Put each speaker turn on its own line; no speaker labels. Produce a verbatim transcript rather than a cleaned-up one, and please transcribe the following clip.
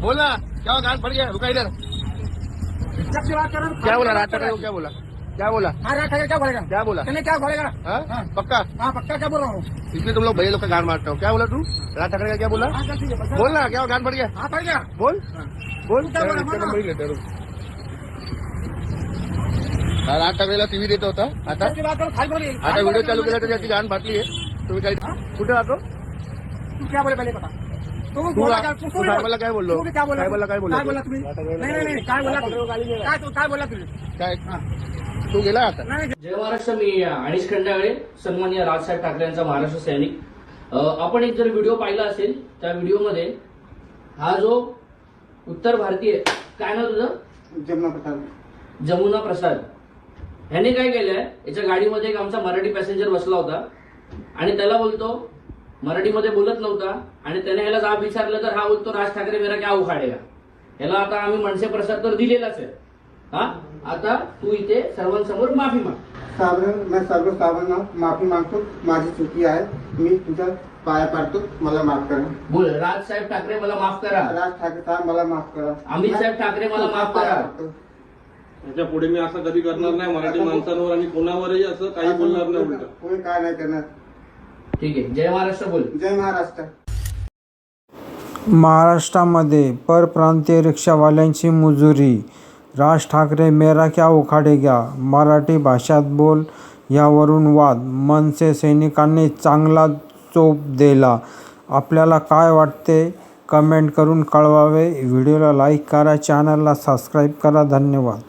बोला क्या कान पड़ गया, रुका इधर।
जब से बात कर रहा हूँ,
क्या बोला राज ठाकरे को, क्या बोला क्या बोला
हाँ राज ठाकरे क्या बोलेगा?
क्या बोला
कहने क्या बोलेगा?
हाँ?
हाँ।
पक्का
हाँ पक्का क्या बोल रहा हूँ?
इसलिए तुम लोग भैया लोग का गान मारते हो। क्या बोला तू राज ठाकरे का, क्या बोला?
हाँ चल ठीक है, बस।
बोल ना, क्या गान पड़ गया,
हाँ पड़ गया।
बोल बोल।
क्या बोला,
इसका
बोला?
नंबर ही लेते रुक। हा, राज ठाकरेला टीव्ही देत होता, आता
जब से बात करो खाली बोली।
आता व्हिडिओ चालू केला तर त्याची गान फाटली आहे। तुम्ही काय कुठे राहतो
तू क्या बोले पहले बता। तू
तू
बोला
रा-
क्या?
तू साहेबाला काय बोललो?
तू क्या बोला?
साहेबाला काय बोललो
काय
तू?
बोला तुम्ही?
राज ठाकरेला
नाही नाही नाही काय बोला तुम्ही? काय तू काय बोला तुम्ही?
काय
हाँ।
तू गेला आता?
नाही
जय महाराष्ट्र. मी अनिश खंडागळे, सन्माननीय राजसाहेब ठाकरे यांचा महाराष्ट्र सैनिक. अ, आपण एक जर व्हिडिओ पाहिला असेल, त्या व्हिडिओमध्ये हा जो उत्तर भारतीय, काय नाव तुझं?
जमुना प्रसाद.
जमुना प्रसाद ह्याने काय केलंय, याच्या गाडीमध्ये एक आमचा मराठी पॅसेंजर बसला होता आणि त्याला बोलतो, मराठीमध्ये बोलत नव्हता आणि त्याने ह्याला जाब विचारलं तर हा बोलतो राज ठाकरे मेरा क्या उखाडेगा. ह्याला आता आम्ही मनसे प्रसाद तर दिलेलाच आहे. हा, आता तू इथे सर्वांसमोर माफी माग.
साबण मैं सर्व साबणांना माफी मागतो. माझी चुकी आहे. मी तुझ्या पाया पडतो. मला माफ करा.
बोल, राजसाहेब ठाकरे मला माफ करा.
राज ठाकरे साहेब मला माफ करा.
अमित साहेब ठाकरे मला माफ करा.
याच्या पुढे मी असं कधी करणार नाही. मराठी माणसांवर आणि कोणावरही असं काही बोलणार नाही उलट.
कोणी काय नाही करणार.
ठीक आहे. जय महाराष्ट्र बोल.
जय महाराष्ट्र.
महाराष्ट्रामध्ये परप्रांतीय रिक्षावाल्यांची मुजुरी. राज ठाकरे मेरा क्या उखाडेगा, मराठी भाषात बोल यावरून वाद. मनसे सैनिकांनी चांगला चोप दिला. आपल्याला काय वाटते कमेंट करून कळवावे. व्हिडिओला लाईक करा, चॅनलला सबस्क्राईब करा. धन्यवाद.